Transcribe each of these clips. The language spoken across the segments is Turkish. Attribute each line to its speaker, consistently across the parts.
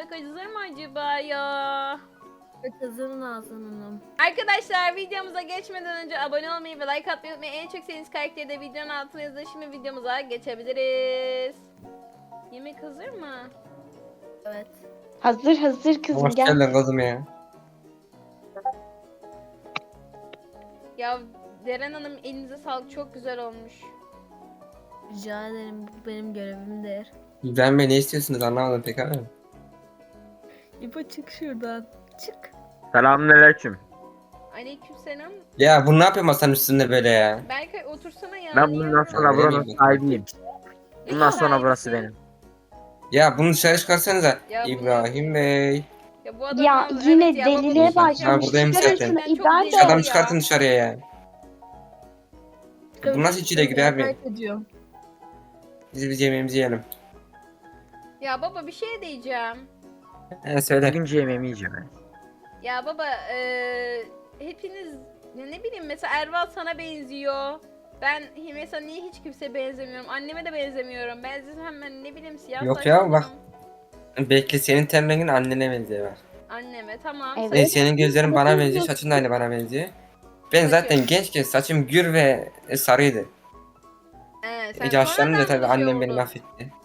Speaker 1: Yemek hazır mı acaba ya?
Speaker 2: Evet, hazırın Nazan Hanım.
Speaker 1: Arkadaşlar videomuza geçmeden önce abone olmayı ve like atmayı unutmayın. En çok sevdiğiniz karakteri de videonun altına yazın. Şimdi videomuza geçebiliriz. Yemek hazır mı?
Speaker 2: Evet.
Speaker 3: Hazır hazır kızım
Speaker 4: Hoş
Speaker 3: gel.
Speaker 4: geldin kızım ya.
Speaker 1: Ya Deren Hanım elinize sağlık, çok güzel olmuş.
Speaker 2: Rica ederim. Bu benim görevimdir.
Speaker 4: İbrahim Bey ne istiyorsunuz anlamadım pek ama.
Speaker 2: İpo çık şuradan. Çık.
Speaker 5: Selamünaleyküm.
Speaker 1: Aleykümselam.
Speaker 4: Ya bu ne yapıyor masanın üstünde böyle ya?
Speaker 1: Berkay otursana ya.
Speaker 5: Ben
Speaker 1: niye
Speaker 5: bundan
Speaker 1: öyle
Speaker 5: sonra buranın
Speaker 4: Öyle mi?
Speaker 5: sahibiyim.
Speaker 1: Ne
Speaker 5: Bundan sonra
Speaker 1: sahibisin?
Speaker 5: burası benim.
Speaker 4: Ya bunu dışarı çıkarsanıza.
Speaker 1: Ya bu
Speaker 4: İbrahim Bey.
Speaker 1: Ya bu adam
Speaker 3: Ya yine
Speaker 1: ya, baba
Speaker 3: deliliğe
Speaker 1: bu-
Speaker 3: başlamış.
Speaker 4: buradayım
Speaker 3: Çıkarın
Speaker 4: zaten.
Speaker 3: şunu
Speaker 1: Gerçekten çok
Speaker 3: İbrahim
Speaker 1: deli
Speaker 3: Bey.
Speaker 4: Adamı
Speaker 1: ya.
Speaker 4: çıkartın dışarıya ya. Bu nasıl içine giriyor abi?
Speaker 2: Kaybediyorum.
Speaker 4: Biz yemeğimizi yiyelim.
Speaker 1: Ya baba bir şey diyeceğim.
Speaker 4: Söyle.
Speaker 5: Bugünkü yemeğimi yiyeceğim ben.
Speaker 1: Ya baba hepiniz ya ne bileyim mesela Erval sana benziyor. Ben mesela niye hiç kimseye benzemiyorum? Anneme de benzemiyorum. Benzesem ben ne bileyim siyah
Speaker 4: Yok
Speaker 1: saçlı
Speaker 4: ya, bak.
Speaker 1: olurum.
Speaker 4: Bekle, senin ten rengin annene benziyor bak.
Speaker 1: Anneme tamam.
Speaker 3: Evet.
Speaker 4: Ve
Speaker 1: saçım-
Speaker 4: senin gözlerin bana benziyor, saçın da aynı bana benziyor. Ben zaten gençken saçım gür ve sarıydı.
Speaker 1: Sen
Speaker 4: Yaşlanınca
Speaker 1: sonradan
Speaker 4: tabii
Speaker 1: mı şey
Speaker 4: annem beni
Speaker 1: oldun?
Speaker 4: mahvetti.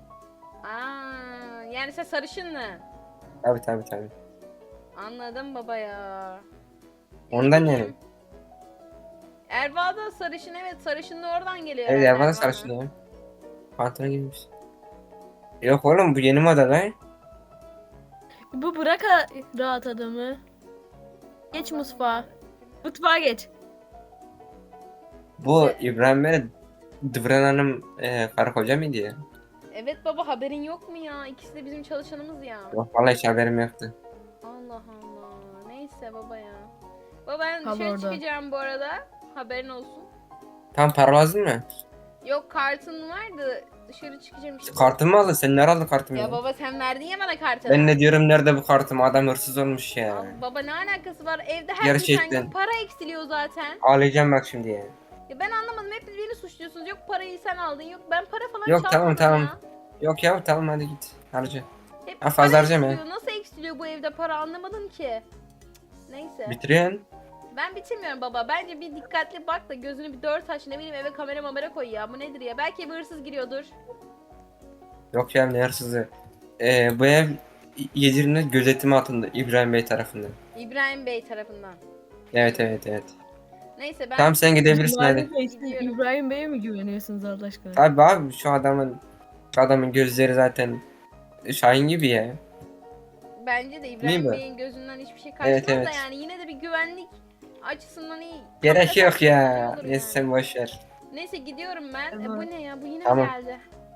Speaker 1: Yani sen sarışın mı?
Speaker 4: Tabii.
Speaker 1: Anladım baba ya.
Speaker 4: Ondan
Speaker 1: Ne
Speaker 4: yani.
Speaker 1: bileyim. Erva da sarışın, evet, sarışın da oradan geliyor
Speaker 4: Evet
Speaker 1: herhalde
Speaker 4: ya, bana
Speaker 1: Erva'nın.
Speaker 4: sarışın ya. Pantolon giymiş. Yok oğlum, bu yeni moda lan.
Speaker 2: İpo bırak rahat adamı. Geç mutfağa. Mutfağa geç.
Speaker 4: Bu İbrahim Bey Dıvran Hanım karı koca mıydı ya?
Speaker 1: Evet baba, haberin yok mu ya? İkisi de bizim çalışanımız ya.
Speaker 4: Yok vallahi hiç haberim yoktu.
Speaker 1: Allah Allah. Neyse baba ya. Baba ben
Speaker 2: Kal
Speaker 1: dışarı
Speaker 2: orada.
Speaker 1: çıkacağım bu arada. Haberin olsun.
Speaker 4: Tam para lazım mı?
Speaker 1: Yok, kartın vardı. Dışarı çıkacağım işte.
Speaker 4: Kartımı mı aldın? Sen nerede aldın kartımı
Speaker 1: Ya
Speaker 4: ya?
Speaker 1: baba sen verdin ya bana kartını.
Speaker 4: Ben ne diyorum, nerede bu kartım? Adam hırsız olmuş ya.
Speaker 1: Baba ne alakası var? Evde her
Speaker 4: Gerçekten.
Speaker 1: geçen gün para eksiliyor zaten.
Speaker 4: Ağlayacağım bak şimdi ya.
Speaker 1: Ya ben anlamadım. Hep beni suçluyorsunuz. Yok parayı sen aldın. Yok ben para falan
Speaker 4: Yok,
Speaker 1: çalmadım
Speaker 4: tamam.
Speaker 1: ya.
Speaker 4: Yok ya, tamam hadi git. Harca.
Speaker 1: Hep
Speaker 4: Ha, fazla
Speaker 1: para
Speaker 4: harcama ya.
Speaker 1: eksiliyor. Nasıl eksiliyor bu evde para, anlamadım ki. Neyse.
Speaker 4: Bitiriyorsun.
Speaker 1: Ben bitirmiyorum baba. Bence bir dikkatli bak da gözünü bir dört aç, ne bileyim, eve kamera koy ya. Bu nedir ya? Belki bir hırsız giriyordur.
Speaker 4: Yok ya, ne hırsızı. Bu ev Yedir'in gözetimi altında İbrahim Bey tarafından.
Speaker 1: İbrahim Bey tarafından.
Speaker 4: Evet.
Speaker 1: Neyse ben
Speaker 4: Tamam, sen gidebilirsin
Speaker 2: İbrahim
Speaker 4: hadi.
Speaker 2: Bey, siz
Speaker 1: Gidiyorum.
Speaker 2: İbrahim Bey'e mi güveniyorsunuz Allah aşkına?
Speaker 4: Abi şu adamın gözleri zaten Şahin gibi ya.
Speaker 1: bence de
Speaker 4: Değil
Speaker 1: İbrahim
Speaker 4: mi?
Speaker 1: Bey'in gözünden hiçbir şey kaçmaz
Speaker 4: Evet.
Speaker 1: da yani yine de bir güvenlik açısından iyi.
Speaker 4: Gerek
Speaker 1: Kamera
Speaker 4: yok ya.
Speaker 1: olur
Speaker 4: Neyse
Speaker 1: yani.
Speaker 4: sen boş ver.
Speaker 1: Neyse gidiyorum ben.
Speaker 2: Tamam.
Speaker 1: Bu ne ya? Bu yine
Speaker 4: Tamam.
Speaker 1: geldi.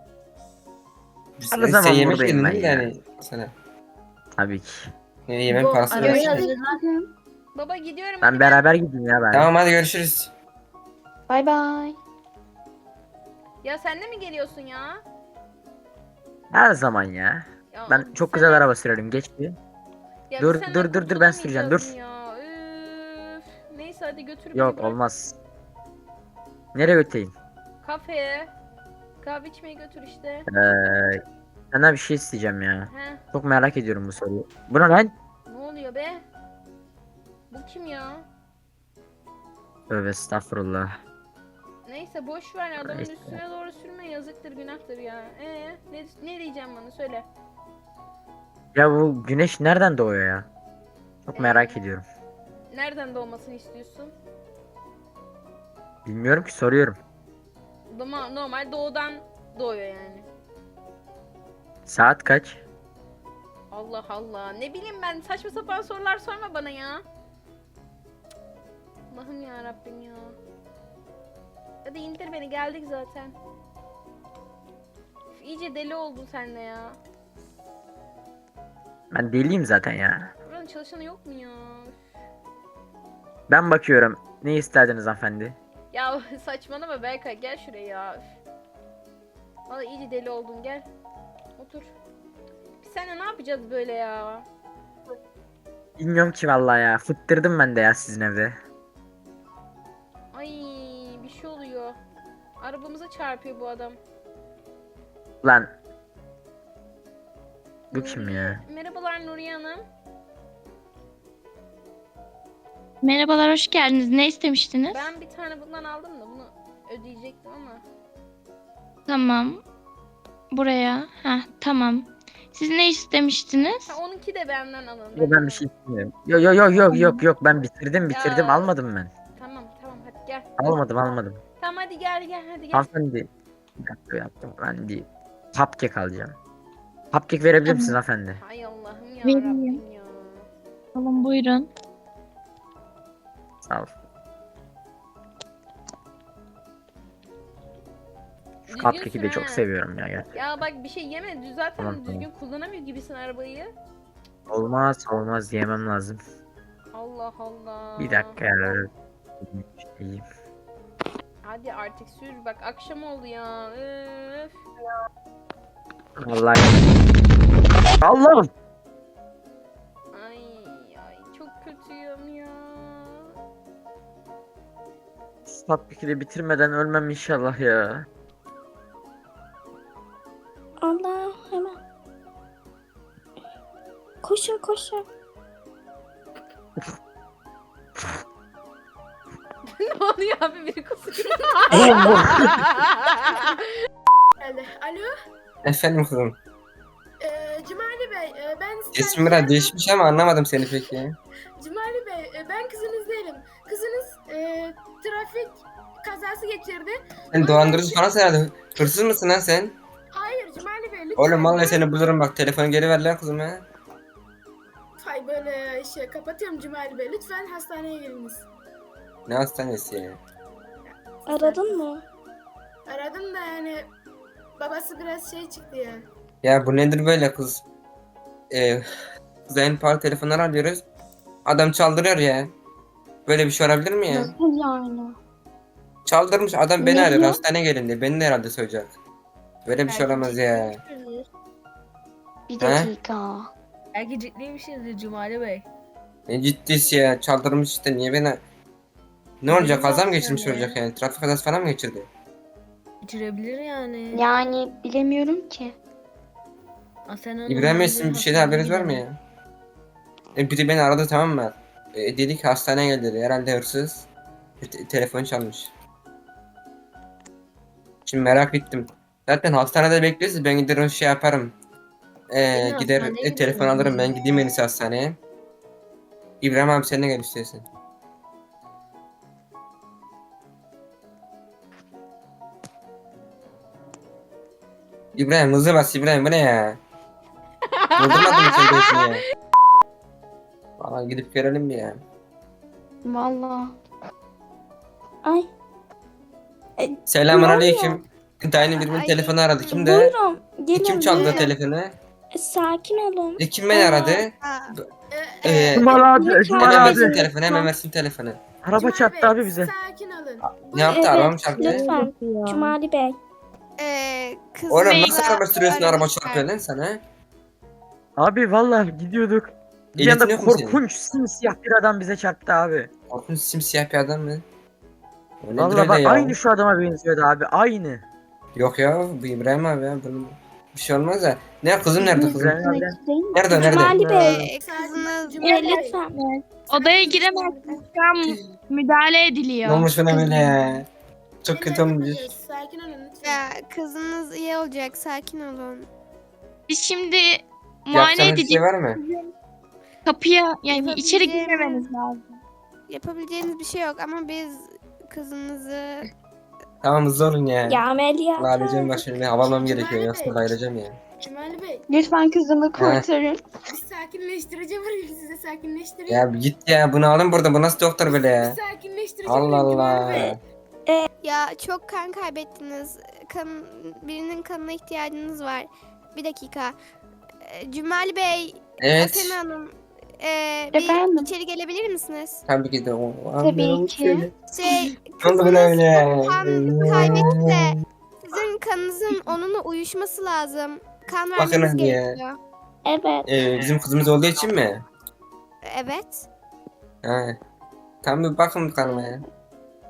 Speaker 5: Her
Speaker 4: Sen
Speaker 5: zaman
Speaker 4: yemek
Speaker 5: buradayım
Speaker 4: yedin
Speaker 5: ben
Speaker 4: değil mi
Speaker 5: ya.
Speaker 4: yani sana?
Speaker 5: Tabii ki.
Speaker 4: Yemek
Speaker 2: Bu
Speaker 4: parası
Speaker 2: arabaya
Speaker 4: versin.
Speaker 2: hazırlan.
Speaker 1: Baba gidiyorum.
Speaker 5: Ben
Speaker 1: hadi
Speaker 5: beraber gideyim ya ben.
Speaker 4: Tamam hadi görüşürüz.
Speaker 3: Bay bay.
Speaker 1: Ya sen de mi geliyorsun ya?
Speaker 5: Her zaman ya.
Speaker 1: Ya
Speaker 5: Ben çok güzel araba sürerim, geç bir.
Speaker 1: Ya
Speaker 5: Dur,
Speaker 1: biz senden
Speaker 5: dur, ben süreceğim,
Speaker 1: kurtulamayacağız
Speaker 5: dur.
Speaker 1: Ya. Üf. Neyse hadi götür beni,
Speaker 5: Yok
Speaker 1: bırak.
Speaker 5: olmaz. Nereye götüreyim?
Speaker 1: Kafeye. Kahve içmeye götür işte.
Speaker 5: Senden bir şey isteyeceğim ya.
Speaker 1: He.
Speaker 5: Çok merak ediyorum bu soruyu. Bu ne lan?
Speaker 1: Ne oluyor be? Bu kim ya?
Speaker 5: Tövbe estağfurullah.
Speaker 1: Neyse boş ver ya, adamın
Speaker 5: Neyse.
Speaker 1: üstüne doğru sürme, yazıktır günahtır ya. Ne diyeceğim bana söyle.
Speaker 5: Ya bu güneş nereden doğuyor ya? Çok merak ediyorum.
Speaker 1: Nereden doğmasını istiyorsun?
Speaker 5: Bilmiyorum ki, soruyorum.
Speaker 1: Normal doğudan doğuyor yani.
Speaker 5: Saat kaç?
Speaker 1: Allah Allah. Ne bileyim ben, saçma sapan sorular sorma bana ya. Allah'ım ya Rabbim ya. Hadi indir beni, geldik zaten. Üf, İyice deli oldun sen de ya.
Speaker 5: Ben deliyim zaten ya.
Speaker 1: Buranın çalışanı yok mu ya? Üf.
Speaker 5: Ben bakıyorum. Ne isterdiniz hanımefendi?
Speaker 1: Ya saçmalama Berkay, gel şuraya ya. Üf. Vallahi iyice deli oldun, gel. Otur. Biz seninle ne yapacağız böyle ya?
Speaker 5: Bilmiyorum ki vallahi ya. Fıttırdım ben de ya sizin evde.
Speaker 1: Ay, bir şey oluyor. Arabamıza çarpıyor bu adam.
Speaker 5: Lan Bu kim ya?
Speaker 1: Merhabalar Nuriye Hanım.
Speaker 6: Merhabalar, hoş geldiniz. Ne istemiştiniz?
Speaker 1: Ben bir tane bundan aldım da bunu ödeyecektim ama.
Speaker 6: Tamam. Buraya. Ha, tamam. Siz ne istemiştiniz?
Speaker 1: Ha, onunki de benden alın.
Speaker 5: Yo, ben bir şey istemiyorum. Yok ben bitirdim
Speaker 1: Ya.
Speaker 5: almadım ben.
Speaker 1: Tamam hadi gel.
Speaker 5: Almadım.
Speaker 1: Tamam hadi gel hadi gel.
Speaker 5: Hanımefendi. Bir dakika yaptım. Ben bir cupcake alacağım. Cupcake verebilir misiniz hanımefendi?
Speaker 1: Hay Allah'ım ya
Speaker 6: Vereyim.
Speaker 1: Rabbim ya.
Speaker 6: Alın buyurun.
Speaker 5: Sağ ol. Şu
Speaker 1: Düzgün
Speaker 5: cupcake'i de
Speaker 1: sür
Speaker 5: çok
Speaker 1: ha.
Speaker 5: seviyorum ya gerçekten.
Speaker 1: Ya bak bir şey yeme. Zaten
Speaker 5: Tamam,
Speaker 1: düzgün kullanamıyor gibisin arabayı.
Speaker 5: Olmaz yemem lazım.
Speaker 1: Allah Allah.
Speaker 5: Bir dakika ya. Şey.
Speaker 1: Hadi artık sür. Bak akşam oldu ya. Üf.
Speaker 5: Vallahi. Allah'ım.
Speaker 1: Ay çok kötüyüm ya.
Speaker 5: Cupcake'i de bitirmeden ölmem inşallah ya.
Speaker 3: Allah hemen. Koşun.
Speaker 1: Ne oluyor abi biri kusuyor.
Speaker 5: Oğlum bu.
Speaker 7: Alo,
Speaker 4: Efendim kızım.
Speaker 7: Cumali Bey, ben
Speaker 4: Sesim biraz değişmiş ama anlamadım seni peki.
Speaker 7: Cumali Bey, ben kızınız değilim. Kızınız trafik kazası geçirdi.
Speaker 4: Sen dolandırıcı falan herhalde. Hırsız mısın lan sen?
Speaker 7: Hayır Cumali Bey, lütfen.
Speaker 4: Oğlum vallahi seni bulurum bak, telefonu geri ver lan kızım ya.
Speaker 7: Hay böyle kapatıyorum Cumali Bey. Lütfen hastaneye geliniz.
Speaker 4: Ne hastanesi ya?
Speaker 3: Aradın mı?
Speaker 7: Aradım da yani babası biraz çıktı ya.
Speaker 4: Ya bu nedir böyle kız? Kıza en pahalı telefonları alıyoruz. Adam çaldırıyor ya. Böyle bir şey olabilir mi ya?
Speaker 3: Nasıl yani?
Speaker 4: Çaldırmış adam, beni
Speaker 3: Ne
Speaker 4: arıyor,
Speaker 3: diyor?
Speaker 4: hastaneye gelin diye. Beni de herhalde soyacak. Böyle bir şey olamaz ya.
Speaker 3: Bir dakika.
Speaker 2: Belki ciddiymişsinizdir Cumali Bey.
Speaker 4: Ne ciddisi ya, çaldırmış işte, niye beni... Ne olacak, kaza mı
Speaker 2: Bilmiyorum
Speaker 4: geçirmiş
Speaker 2: yani.
Speaker 4: olacak yani? Trafik kazası falan mı geçirdi?
Speaker 2: Geçirebilir yani.
Speaker 3: Yani bilemiyorum ki.
Speaker 2: Asena Hanım
Speaker 4: İbrahim Bey,
Speaker 2: bence
Speaker 4: sizin bir şeyden
Speaker 2: hastaneye
Speaker 4: haberiniz var mı
Speaker 2: gidelim.
Speaker 4: ya? Biri beni aradı, tamam mı? Dedi ki hastaneye gel dedi. Herhalde hırsız. Telefon çalmış. Şimdi merak ettim. Zaten hastanede bekliyoruz. Ben gider o şey yaparım.
Speaker 2: Beni
Speaker 4: Gider
Speaker 2: hastaneye
Speaker 4: telefon
Speaker 2: götürün
Speaker 4: alırım. Ben
Speaker 2: bizi.
Speaker 4: gideyim en iyisi hastaneye. İbrahim abi sen de gel istiyorsan. İbrahim hızlı bas İbrahim, bu ne ya? Vurdurmadın mı sen de ya? Valla gidip görelim bir ya.
Speaker 3: Vallahi. Ay.
Speaker 4: Selamun
Speaker 3: Ne
Speaker 4: aleyküm. Dayının birimin
Speaker 3: Ay,
Speaker 4: telefonu aradı. Kim de?
Speaker 3: Buyurun. Gelin.
Speaker 4: Kim çaldı
Speaker 3: buyurun.
Speaker 4: telefonu?
Speaker 3: Sakin olun.
Speaker 4: Kim beni aradı?
Speaker 5: Cumali abi.
Speaker 3: Lütfen
Speaker 5: Cumali
Speaker 4: Hemen
Speaker 3: abi.
Speaker 4: versin
Speaker 5: abi.
Speaker 4: telefonu, hemen versin telefonu.
Speaker 5: Araba
Speaker 7: Cumali
Speaker 5: çarptı
Speaker 7: Bey,
Speaker 5: abi bize.
Speaker 7: Sakin olun.
Speaker 4: Ne yaptı? Araba mı çarptı?
Speaker 3: Lütfen. Cumali Bey.
Speaker 8: Kız
Speaker 4: Oğlum
Speaker 8: Bey
Speaker 4: nasıl araba sürüyorsun, araba
Speaker 8: aramışlar.
Speaker 4: çarpıyor lan sana?
Speaker 5: Abi vallahi gidiyorduk. Bir
Speaker 4: Ehliyetin
Speaker 5: anda
Speaker 4: yok mu senin?
Speaker 5: korkunç simsiyah bir adam bize çarptı abi.
Speaker 4: Korkunç simsiyah bir adam mı? O nedir
Speaker 5: Vallahi
Speaker 4: öyle
Speaker 5: bak
Speaker 4: ya?
Speaker 5: aynı şu adama benziyordu abi aynı.
Speaker 4: Yok ya, bu İbrahim abi ya. Bunun bir şey olmaz da. Ne kızım, nerede kızım?
Speaker 5: İbrahim abi.
Speaker 4: Nerede, nerede?
Speaker 3: Cumali Bey.
Speaker 8: Kızınız
Speaker 7: Cumali Bey.
Speaker 3: Lütfen.
Speaker 6: Odaya giremezsiniz. Şu an müdahale
Speaker 4: Ne
Speaker 6: ediliyor.
Speaker 4: olmuş buna böyle ya? Çok kötü olmuş.
Speaker 7: Sakin olun lütfen.
Speaker 8: ya kızınız iyi olacak, sakin olun.
Speaker 6: Biz şimdi muayene
Speaker 4: Yapacağınız bir
Speaker 6: edeceğiz.
Speaker 4: şey var mı?
Speaker 6: Kapıya yani içeri
Speaker 8: Yapabileceğim-
Speaker 6: girmemeniz lazım.
Speaker 8: Yapabileceğiniz bir şey yok ama biz kızınızı
Speaker 4: Tamam hızlı olun ya.
Speaker 3: Ya ameliyat.
Speaker 4: Allah alacağım bak şimdi, havalamam gerekiyor.
Speaker 7: Cumali
Speaker 4: Yoksa
Speaker 7: Bey.
Speaker 4: bayılacağım ya.
Speaker 7: Cumali Bey,
Speaker 3: Lütfen kızımı kurtarın.
Speaker 7: bir sakinleştirici vurayım size, sakinleştirici.
Speaker 4: Ya bir git ya, bunu alın burada. Bu nasıl doktor böyle ya?
Speaker 7: Bir sakinleştirici
Speaker 4: Allah
Speaker 7: vurayım Cumali Bey.
Speaker 4: Allah.
Speaker 8: ya çok kan kaybettiniz. Birinin kanına ihtiyacınız var. Bir dakika. Cumali Bey,
Speaker 4: Evet.
Speaker 8: Asena Hanım,
Speaker 3: Efendim?
Speaker 8: bir içeri gelebilir misiniz?
Speaker 4: Tabii ki de o.
Speaker 3: Tabii ki.
Speaker 8: Şey,
Speaker 4: Ne oldu buna
Speaker 8: kızınız
Speaker 4: öyle?
Speaker 8: kan kaybetti de sizin kanınızın onunla uyuşması lazım. Kan
Speaker 4: Bakın
Speaker 8: vermeniz
Speaker 4: hadi ya.
Speaker 8: gerekiyor.
Speaker 3: Evet.
Speaker 4: Bizim kızımız olduğu için mi?
Speaker 8: Evet.
Speaker 4: Ha. Tamam bir bakın kanıma ya.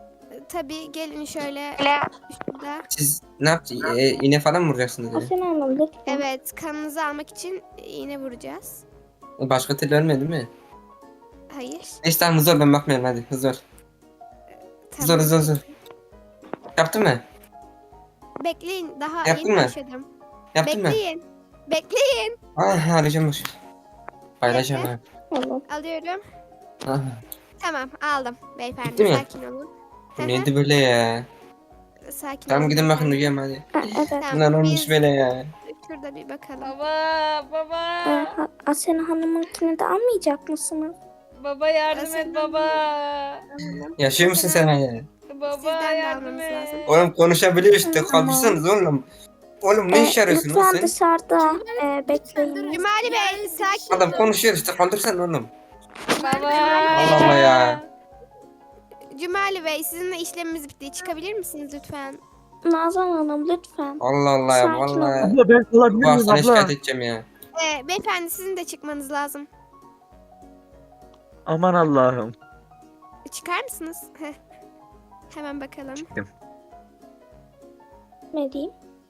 Speaker 8: Tabii gelin şöyle şurada.
Speaker 4: Siz ne yapacaksınız? İğne falan mı vuracaksınız? ya?
Speaker 3: Asena Hanım lütfen.
Speaker 8: Evet, kanınızı almak için iğne vuracağız.
Speaker 4: Başka türlü ölmedi değil mi?
Speaker 8: Hayır.
Speaker 4: Neyse tamam hızlı ol, ben bakmıyorum hadi hızlı ol. Hızlı ol,
Speaker 8: Tamam.
Speaker 4: hızlı ol, hızlı ol. Yaptın mı?
Speaker 8: Bekleyin, daha
Speaker 4: Yaptın
Speaker 8: yeni
Speaker 4: mı?
Speaker 8: başladım.
Speaker 4: Yaptın mı?
Speaker 8: Bekleyin. Bekleyin.
Speaker 4: Ah arayacağım dur. Paylaşacağım ha.
Speaker 3: Tamam.
Speaker 8: Alıyorum.
Speaker 4: Ah,
Speaker 8: Tamam, aldım. Beyefendi,
Speaker 4: Bitti mi?
Speaker 8: sakin olun.
Speaker 4: bu neydi böyle ya?
Speaker 8: Sakin
Speaker 4: Tamam
Speaker 8: olun
Speaker 4: gidin bakın
Speaker 8: beyefendi.
Speaker 4: uyuyalım hadi.
Speaker 3: Ha, evet.
Speaker 8: Tamam,
Speaker 4: Bunlar olmuş
Speaker 8: biz
Speaker 4: böyle ya.
Speaker 8: şurada bir bakalım.
Speaker 1: Baba.
Speaker 3: Asena Hanım'ınkini de almayacak mısınız?
Speaker 1: Baba yardım et
Speaker 8: Asena
Speaker 1: baba.
Speaker 4: Yaşıyor musun sen ya?
Speaker 1: Baba
Speaker 8: Sizden de
Speaker 1: yardım
Speaker 8: almanız
Speaker 1: et.
Speaker 8: lazım.
Speaker 4: Oğlum konuşabiliyor işte
Speaker 3: Tamam.
Speaker 4: kalkırsanız oğlum. Oğlum ne iş arıyorsun lan
Speaker 3: Lütfen
Speaker 4: sen?
Speaker 3: dışarıda bekleyin.
Speaker 8: Cumali Bey, sakin
Speaker 4: Adam
Speaker 8: olun.
Speaker 4: konuşuyor işte kaldırsana oğlum.
Speaker 1: Baba.
Speaker 4: Allah Allah ya.
Speaker 8: Cumali Bey, sizinle işlemimiz bitti. Çıkabilir misiniz lütfen?
Speaker 3: Nazan Hanım lütfen.
Speaker 4: Allah Allah ya
Speaker 3: Sakin
Speaker 4: vallahi.
Speaker 3: olun.
Speaker 5: Abla ben kalabilir
Speaker 4: Bu
Speaker 5: miyim
Speaker 4: hastane
Speaker 5: abla?
Speaker 4: şikayet edeceğim ya.
Speaker 8: Beyefendi, sizin de çıkmanız lazım.
Speaker 5: Aman Allah'ım.
Speaker 8: Çıkar mısınız? Heh. Hemen bakalım.
Speaker 3: Ne diyeyim?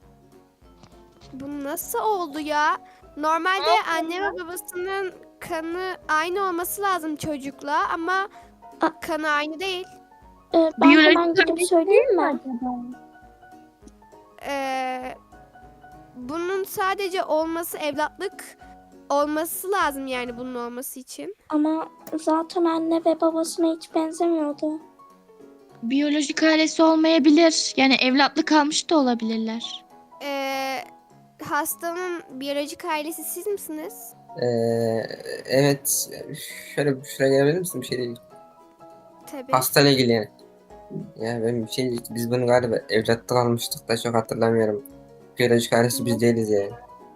Speaker 8: Bu nasıl oldu ya? Normalde anne ve babasının kanı aynı olması lazım çocukla ama
Speaker 3: A-
Speaker 8: kanı aynı değil.
Speaker 3: Ben
Speaker 6: Biyolojik
Speaker 3: hemen gidip söyleyeyim mi?
Speaker 8: Bunun sadece olması evlatlık olması lazım yani bunun olması için.
Speaker 3: Ama zaten anne ve babasına hiç benzemiyordu.
Speaker 6: Biyolojik ailesi olmayabilir. Yani evlatlık almış da olabilirler.
Speaker 8: Hastanın biyolojik ailesi siz misiniz?
Speaker 4: Evet. Şöyle şuraya gelebilir misin bir şey değil.
Speaker 8: Tabii.
Speaker 4: Hastayla ilgili yani. Ya ben bir şey biz bunu galiba evlatlık almıştık da çok hatırlamıyorum. Biyolojik ailesi biz değiliz ya.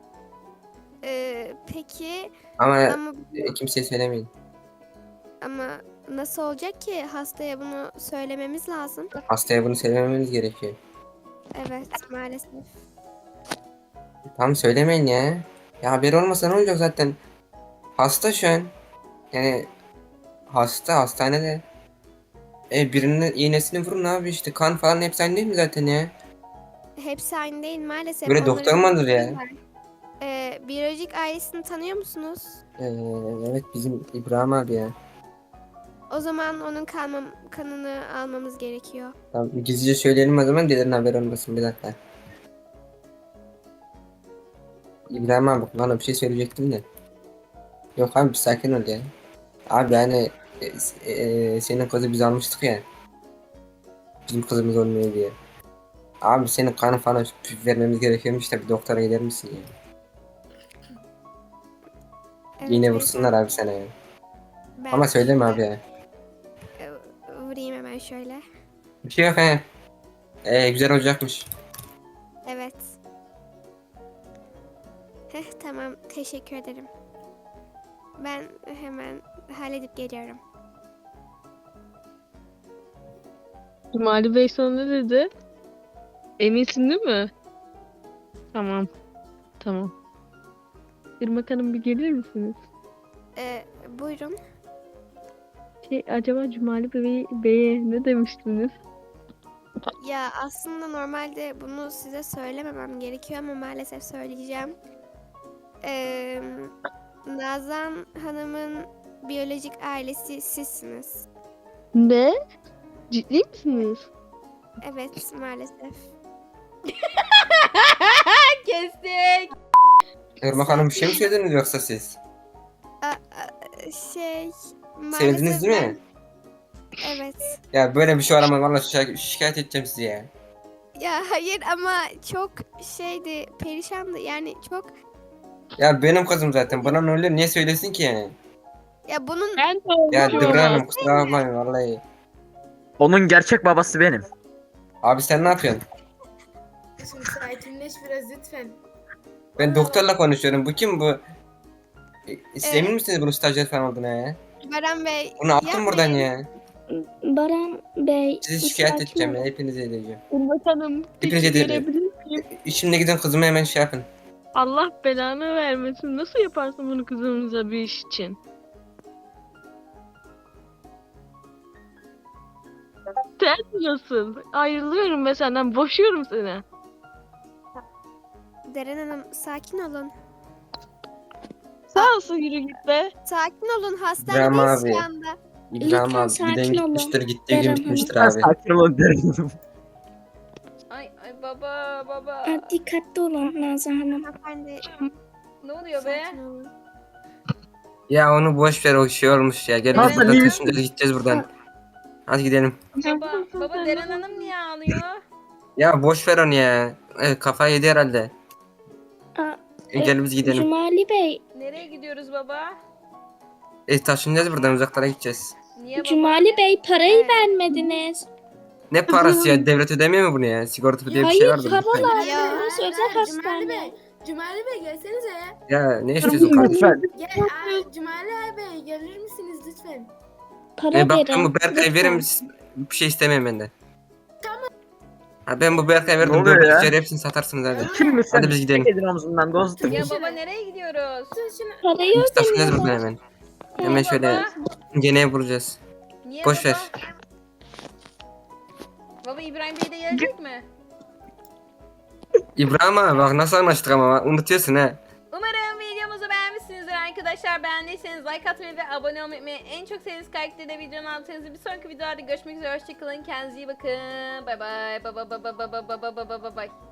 Speaker 8: Peki
Speaker 4: Ama
Speaker 8: ama
Speaker 4: kimseye söylemeyin.
Speaker 8: ama nasıl olacak ki hastaya bunu söylememiz lazım.
Speaker 4: Hastaya bunu söylememiz gerekiyor.
Speaker 8: Evet maalesef.
Speaker 4: Tamam söylemeyin ya. Ya haber olmasa ne olacak zaten. Hasta şu an. Yani hastanede. Birinin iğnesini vurun abi işte kan falan hepsi aynı değil mi zaten ya?
Speaker 8: Hepsi aynı değil maalesef.
Speaker 4: Böyle
Speaker 8: Onların
Speaker 4: doktor mu alır ya?
Speaker 8: var. Biyolojik ailesini tanıyor musunuz?
Speaker 4: Evet bizim İbrahim abi ya.
Speaker 8: O zaman onun kanını almamız gerekiyor.
Speaker 4: Tamam gizlice söyleyelim o zaman dilerin haber olmasın bir dakika. İbrahim abi bana bir şey söyleyecektim de. Yok abi bir sakin ol ya. Abi yani senin kızı biz almıştık ya. Bizim kızımız olmuyor diye. Abi senin kanı falan vermemiz gerekiyormuş da bir doktora gider misin ya?
Speaker 8: Evet,
Speaker 4: Yine
Speaker 8: beyefendi.
Speaker 4: vursunlar abi sana ya.
Speaker 8: Ben
Speaker 4: Ama söyleme
Speaker 8: şöyle,
Speaker 4: abi ya.
Speaker 8: Vurayım hemen şöyle.
Speaker 4: Bir şey yok he. Güzel olacakmış.
Speaker 8: Evet. Tamam teşekkür ederim. Ben hemen halledip geliyorum.
Speaker 9: Cumali Bey sana ne dedi? Eminsin değil mi? Tamam. Tamam. Irmak Hanım bir gelir misiniz?
Speaker 8: Buyurun.
Speaker 9: Acaba Cumali Bey'e ne demiştiniz?
Speaker 8: Ya aslında normalde bunu size söylememem gerekiyor ama maalesef söyleyeceğim. Nazan Hanım'ın biyolojik ailesi sizsiniz.
Speaker 9: Ne? Ciddi misiniz?
Speaker 8: Evet maalesef.
Speaker 1: Kestik.
Speaker 4: Irmak Hanım bir şey mi söylediniz yoksa siz?
Speaker 8: Şey
Speaker 4: Sevdiniz
Speaker 8: maalesef
Speaker 4: değil mi?
Speaker 8: Evet.
Speaker 4: Ya böyle bir şey var ama valla şikayet edeceğim sizi ya.
Speaker 8: Ya hayır ama çok şeydi, perişandı yani çok.
Speaker 4: Ya benim kızım zaten bana ne oluyor niye söylesin ki yani?
Speaker 8: Ya bunun
Speaker 9: Ben de
Speaker 4: Ya
Speaker 9: olmuşum
Speaker 4: Dıbra
Speaker 9: ama.
Speaker 4: Hanım kusura bakmayın vallahi.
Speaker 5: Onun gerçek babası benim.
Speaker 4: Abi sen ne yapıyorsun?
Speaker 7: Şimdi sakinleş biraz lütfen.
Speaker 4: Ben doktorla konuşuyorum. Bu kim bu? Siz
Speaker 8: Ee,
Speaker 4: emin misiniz bunun stajyer falan olduğuna ya?
Speaker 8: Baran Bey.
Speaker 4: Bunu attım
Speaker 8: yapmayın.
Speaker 4: buradan ya.
Speaker 3: Baran Bey.
Speaker 4: Sizi
Speaker 3: bir
Speaker 4: şikayet
Speaker 3: sakin
Speaker 4: edeceğim
Speaker 3: olun.
Speaker 4: ya. Hepinizi edeceğim.
Speaker 9: Irmak Hanım
Speaker 4: Hepinize
Speaker 9: peki
Speaker 4: de-
Speaker 9: görebilir miyim?
Speaker 4: Şimdi gidin kızımı hemen şey yapın.
Speaker 9: Allah belanı vermesin. Nasıl yaparsın bunu kızımıza bir iş için? Sen Sen nasıl? Ayrılıyorum ben senden. Boşuyorum seni.
Speaker 8: Deren Hanım sakin olun.
Speaker 9: Sağ olsun yürü git be.
Speaker 8: Sakin olun.
Speaker 4: İbrahim
Speaker 8: Hastanedeyiz
Speaker 4: abi.
Speaker 8: şu anda.
Speaker 4: İbrahim
Speaker 3: Lütfen
Speaker 4: abi
Speaker 3: sakin
Speaker 4: giden
Speaker 3: olun.
Speaker 4: gitmiştir, gittiği
Speaker 3: Deren
Speaker 4: gün
Speaker 3: Hanım.
Speaker 4: gitmiştir
Speaker 5: Ben
Speaker 4: abi.
Speaker 5: sakin ol derim.
Speaker 1: Ay baba baba.
Speaker 3: Dikkatli olun Nazan Hanım.
Speaker 8: Hanımefendi
Speaker 1: Ne oluyor be?
Speaker 8: sakin olun.
Speaker 4: Ya onu boş ver, o şey olmuş ya. Gel biz
Speaker 5: Hasan,
Speaker 4: burada
Speaker 5: iyi
Speaker 4: taşınacağız, gideceğiz buradan. Hadi gidelim.
Speaker 1: Baba Deren Hanım niye ağlıyor?
Speaker 4: Ya boş ver onu ya. Evet, kafayı yedi herhalde.
Speaker 3: Aa,
Speaker 4: Gel biz gidelim.
Speaker 3: Cumali Bey,
Speaker 1: Nereye gidiyoruz baba?
Speaker 4: Taşınacağız buradan, uzaklara gideceğiz.
Speaker 1: Niye baba?
Speaker 3: Cumali Bey parayı vermediniz.
Speaker 4: Ne parası ya? Devlet ödemiyor mu bunu ya? Sigorta diye bir şey
Speaker 3: Hayır,
Speaker 4: vardır. lütfen.
Speaker 3: paralar.
Speaker 8: Ya,
Speaker 3: Burası özel
Speaker 7: Cumali
Speaker 3: hastane.
Speaker 7: Bey. Cumali Bey gelsenize ya.
Speaker 4: Ya ne istiyorsun kardeşim?
Speaker 5: Lütfen.
Speaker 7: Gel, Cumali Bey gelir misiniz lütfen?
Speaker 3: Para
Speaker 4: Bak ben
Speaker 3: verin.
Speaker 4: bu Berkay'ı
Speaker 3: lütfen.
Speaker 4: verir misin? Bir şey istemem benden. Ha, ben bu Berkay'ı
Speaker 5: Ne
Speaker 4: verdim.
Speaker 5: oluyor ya?
Speaker 4: Dövmek hepsini satarsınız hadi.
Speaker 5: Kim mi sen?
Speaker 4: Hadi biz gidelim.
Speaker 5: Çek edin omzundan dostum.
Speaker 1: Ya baba nereye gidiyoruz?
Speaker 3: Parayı
Speaker 4: Biz taşınacağız buradan
Speaker 3: ödemiyorlar.
Speaker 4: hemen. Hemen şöyle gene vuracağız.
Speaker 1: Niye
Speaker 4: Boş
Speaker 1: baba?
Speaker 4: ver.
Speaker 1: Baba İbrahim Bey de gelecek mi?
Speaker 4: İbrahim abi bak nasıl anlaştık ama unutuyorsun ha.
Speaker 1: Umarım videomuzu beğenmişsinizdir arkadaşlar. Beğendiyseniz like atmayı ve abone olmayı unutmayın. En çok sevdiğiniz karakteri de videonun altına yazın. Bir sonraki videolarda görüşmek üzere. Hoşçakalın. Kendinize iyi bakın. Bay bay. Bay bay bay bay bay bay bay bay bay bay.